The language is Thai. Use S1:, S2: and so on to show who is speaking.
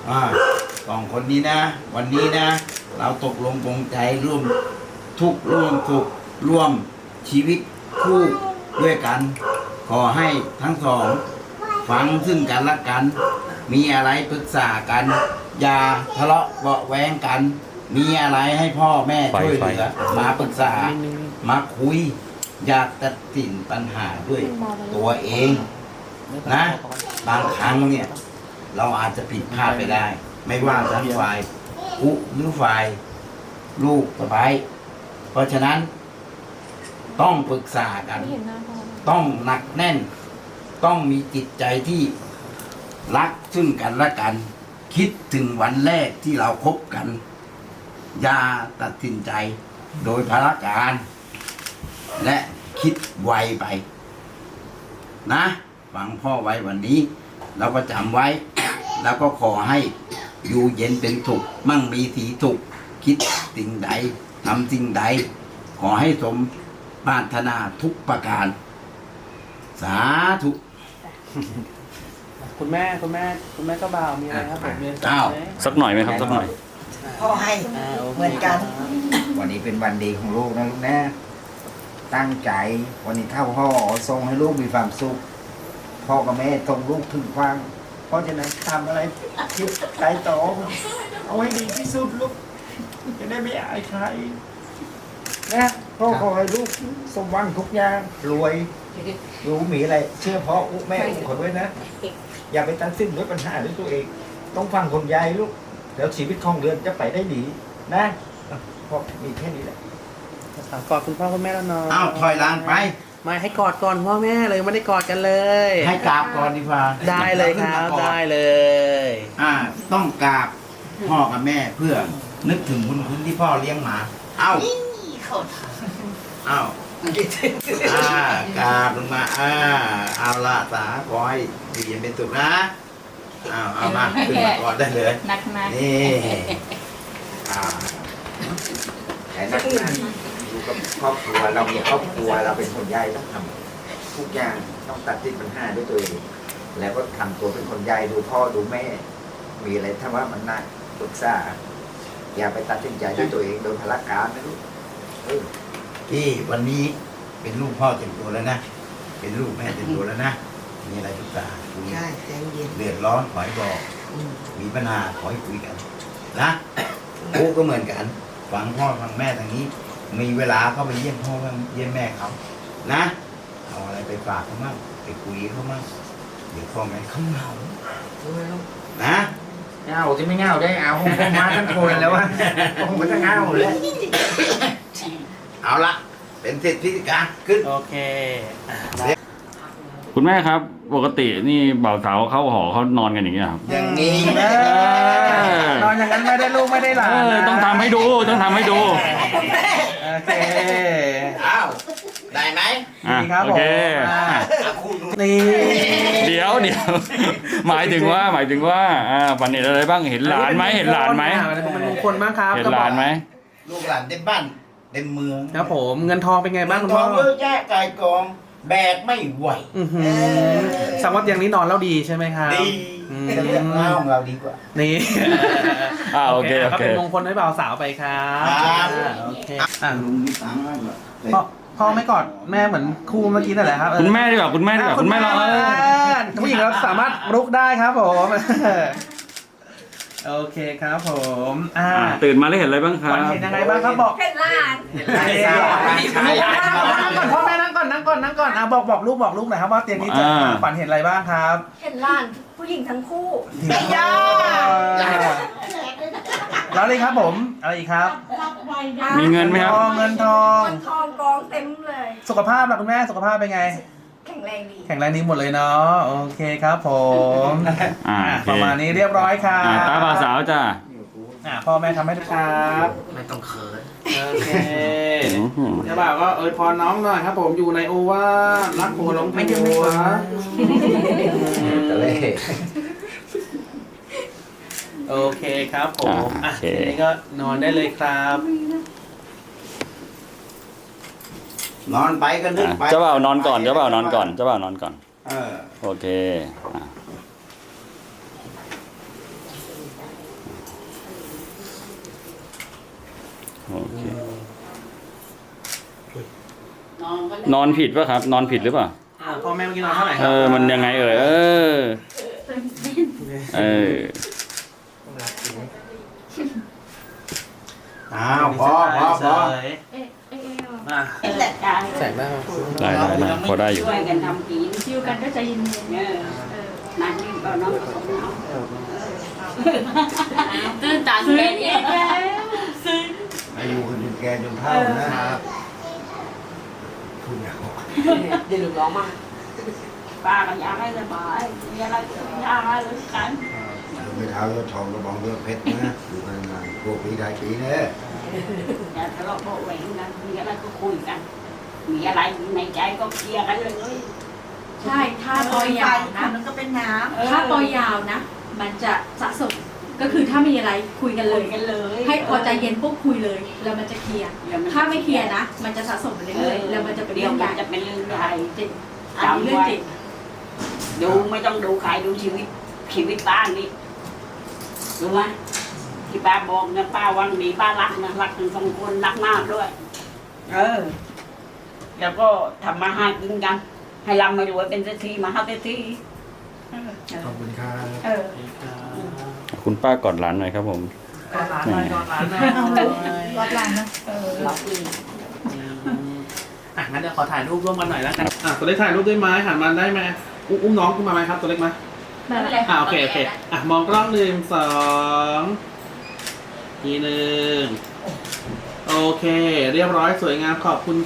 S1: สองคนนี้นะ วันนี้นะ เราตกลงปลงใจร่วมทุกข์ร่วมสุขร่วมชีวิตคู่ด้วยกัน ขอให้ทั้งสองฟังซึ่งกันและกัน มีอะไรปรึกษากัน อย่าทะเลาะเบาะแว้งกัน มีอะไรให้พ่อแม่ช่วยเหลือมาปรึกษามาคุย อยากตัดสินปัญหาด้วยตัวเองนะ บางครั้งเนี่ยเราอาจจะผิดพลาดไปได้ ไม่ว่าจะฝ่ายผู้หรือฝ่ายลูกสะใภ้เพราะฉะนั้นต้องปรึกษากัน ต้องหนักแน่น ต้องมีจิตใจที่รักซึ่งกันและกัน คิดถึงวันแรกที่เราคบกัน อย่าตัดสินใจโดยพละการ และคิดไวไปนะฟังพ่อไว้วันนี้เราก็จำไว้ แล้วก็ขอให้อยู่เย็นเป็นสุขมั่งมีสีสุขคิดสิ่งใดทำสิ่งใด ขอให้สมปรารถนาทุกประการ สาธุ
S2: คุณแม่ก็บ่าวมีอะไรครับผมมีอะไร
S1: อ้าว
S3: สักหน่อยไหมครับสักหน่อย
S4: พ่อให้เหมือนกัน
S5: วันนี้เป็นวันดีของลูกนะลูกนะ ตั้งใจวันนี้เข้าห่อส่งให้ลูกมีความสุข พ่อกับแม่ส่งลูกถึงฟัง เพราะฉะนั้นทำอะไรคิดใช้ต่อเอาให้ดีที่สุดลูก จะได้ไม่อายใครนะพ่อขอให้ลูกสมหวังทุกอย่างรวยรู้มีอะไร เชื่อพ่อแม่ขอด้วยนะ อย่าไปตัดสินด้วยปัญหาด้วยตัวเอง ต้องฟังคนยายลูกแล้วชีวิตของเดือนจะไปได้ดีนะพ่อมีแค่นี้แหละ
S2: กอดคุณพ่อคุณแม่แล้วเนาะ
S1: อ้าวถอยหลังไป
S2: ไม่ให้กอดก่อนพ่อแม่เลยไม่ได้กอดกันเลย
S1: ให้กราบก่อนดีกว่า
S2: ได้เลยครับ
S1: อาขึ้นมาก่อน
S2: ได้เลย
S1: ต้องกราบพ่อกับแม่เพื่อนึกถึงบุญคุณที่พ่อเลี้ยงมา เอ้าเอ้ากราบลงมาเอาละสาขอให้อยู่เย็นเป็นสุขนะเอามาขึ้นมาก่อนได้เลย
S6: นัก
S1: นี่อ่า
S5: แต่นักงานอยู่กับครอบครัวเรามีครอบครัวเราเป็นคนใหญ่ต้องทำทุกอย่างต้องตัดสินปัญหาด้วยตัวเองแล้วก็ทำตัวเป็นคนใหญ่ดูพ่อดูแม่ มีอะไรถ้าว่ามันน่าปรึกษาอย่าไปตัดสินใจด้วยตัวเองโดยพละการนะลูก
S1: ที่วันนี้เป็นลูกพ่อเต็มตัวแล้วนะ เป็นลูกแม่เต็มตัวแล้วนะ มีอะไรปรึกษาคุย
S4: ใช่ใจเย็น
S1: เดือดร้อนขอให้บอก มีปัญหาขอให้คุยกันนะกูก็เหมือนกันฟังพ่อฟังแม่ทางนี้ มีเวลาก็ไปเยี่ยมพ่อเยี่ยมแม่เขานะเอาอะไรไปฝากเขามั่งไปคุยเขามั่งเดี๋ยวพ่อแม่เขาเหงานะ
S5: เงาจะไม่เงาได้เอาผมมาทั้งคนแล้ววะผมก็จะเงาเลย
S1: เอาละเป็นเศรษฐีการขึ้น
S2: โอเค
S3: คุณแม่ครับ ปกตินี่บ่าวสาวเข้าหอเขานอนกันอย่างเงี้ยครับ
S1: อย่างนี้
S2: นอนอย่างนั้นไม่ได้ลูกไม่ได้หลานนะ
S3: ต้องทำให้ดูต้องทำให้ดู
S2: โอเค
S1: อ้าวได้ไหม
S3: อ่ะ
S2: ดีครับ
S3: โอเค
S2: ผม
S3: อ่ะ
S2: นี่
S3: เดี๋ยวหมายถึงว่าฝันเห็นอะไรบ้างเห็นหลานไหมเห็นหลานไหม
S2: มันมงคลมากครับ
S3: เห็นหลานไหม
S1: ลูกหลานเต็มบ้านเต็มเมือง
S2: ครับผมเงินทองเป็นไงบ้างคุณ
S1: ท
S2: พ่
S1: อ
S2: อง
S1: เยอะแยะกายกองแบกไม่ไหว
S2: สังวัตอย่างนี้นอนแล้วดีใช่ไหมครับ
S1: ดี
S2: อืม
S1: แต่เรื่องเล่าของเราดีกว่า
S2: นี่
S3: โอเค
S2: ก็เป็นมงคลให้บ่าวสาวไปครับ
S1: ครับ
S2: โอเคอ่ะ
S1: ลุงมีตังค์แล้วเหรอ
S2: พ่อไม่กอดแม่เหมือนคู่เมื่อกี้นั่นแหละครับ
S3: คุณแม่ดีกว่าคุณแม่ดีกว่าคุณแม่รอ
S2: ผู้หญิงเราสามารถรุกได้ครับผมโอเคครับผม
S3: ตื่นมาแล้วเห็นอะไรบ้างครั
S2: ฝั
S3: บ
S2: นเห็นยังไงบ้างครับบอก
S6: เห็นล้าน
S2: พ่อแม่นั่งก่อนบอกลูกหน่อยครับว่าเตียงนี้จะฝันเห็นอะไรบ้างครับ
S6: เห็นล้านผู้หญิงทั้งคู่
S2: แล้วเลยครับผมอะไรอีกครับ
S3: มีเงินไหมครับ
S2: เงินทอง
S6: เงินทองกองเต็มเลย
S2: สุขภาพล่ะคุณแม่สุขภาพเป็นไง
S6: แข็งแรงดี
S2: แข็งแรงดีหมดเลยเนาะโอเคครับผม
S3: โอเค
S2: ประมาณนี้เรียบร้อยครับ
S3: ตาบ่าวสาวจ้า
S2: พ่อแม่ทำให้ทุกครับ
S5: ไม่ต้องเขิน
S2: โอเคเจ้าบ่าวก็พรน้องหน่อยครับผมอยู่ในโอวาทรักผัวหลงผัว
S5: ตะเล่
S2: โอเคครับผมทีนี้ก็นอนได้เลยครับ
S1: นอนไปก็นึกไป
S3: เจ้าบ่าวนอนก่อนเจ้าบ่าวนอนก่อนเจ้าบ่าวนอนก่อน
S1: เออ
S3: โอเคโอเคนอนผิดป่ะครับ นอนผิดหรือเปล่า
S2: พ่อแม่เมื่อกี้นอนเท่าไหร่ค
S3: เอ
S2: รับ
S3: อมันยังไงเอ่ยเออ
S1: อ้าวพอมา
S2: ใส่ได้
S3: ได้พอได้อยู่
S7: ช่วยกันทำกินชิวกันก็ใจเย็นๆนั่นนี่ก็น้องผสมเอาตื่นตาแค่นี้
S5: อายุคนจนแก่จนเฒ่านะครับพูดแล้ว
S7: เดี๋ยวร้องมาป้าก็อยากให้สบายมีอะไรก็อยากให้รู้กัน
S5: ไม่เท้าเลือดทองกระบองเลือดเพชรนะอยู่กันนานพวกปีได้ปีเนี่ย
S7: อย่าทะเลาะเบาะแหวงกันมีอะไรก็คุยกัน มีอะไรในใจก็เคลียร์กันเลย
S8: ใช่ ถ้าปล่อยยาวนะ
S6: มันก็เป็นน้
S8: ถ้าปล่อยยาวนะ มันจะสะสม ก็คือถ้ามีอะไรคุยกันเล
S7: คุ
S8: ย
S7: ยกันเลย
S8: ให้พอใจเย็นปุ๊บคุยเลย แล้วมันจะเคลียร์ ถ้าไม่เคลียร์นะ มันจะสะสมไปเรื่อยๆ แล้วมันจะเป็น
S7: เดี๋
S8: เรื่
S7: ย
S8: อ
S7: ว
S8: งให
S7: มั
S8: ญ่
S7: นจะเป็นเรื่องใหญ่
S8: จริงอันนี้เรื่องจริง
S7: ดูไม่ต้องดูใครดูชีวิตป้านี่รู้ไหมที่ป้าบอกนะป้าวังดีป้ารักนะรักทั้งสองคนรักมากด้วย แล้วก็ทำมาหากินกัน ให้ร่ำให้รวยเป็นเศรษฐีมหาเศรษฐี
S5: ขอบคุณครับ
S3: คุณป้ากอดหลานหน่อยครับผม
S2: กอดหลานหน่อยกอดหลานหน่อย
S6: ำวัดหลังนะ
S7: รักอีก
S2: งั้นเดี๋ยวขอถ่ายรูปร่วมกันหน่อยแล้วกันตัวเล็กถ่ายรูปด้วยไหมหันมาได้ไหมอุ้มน้องขึ้นมาไหมครับตัวเล็กไหมโอเคมองกล้อง1 2ที1โอเค เรียบร้อยสวยงามขอบคุณ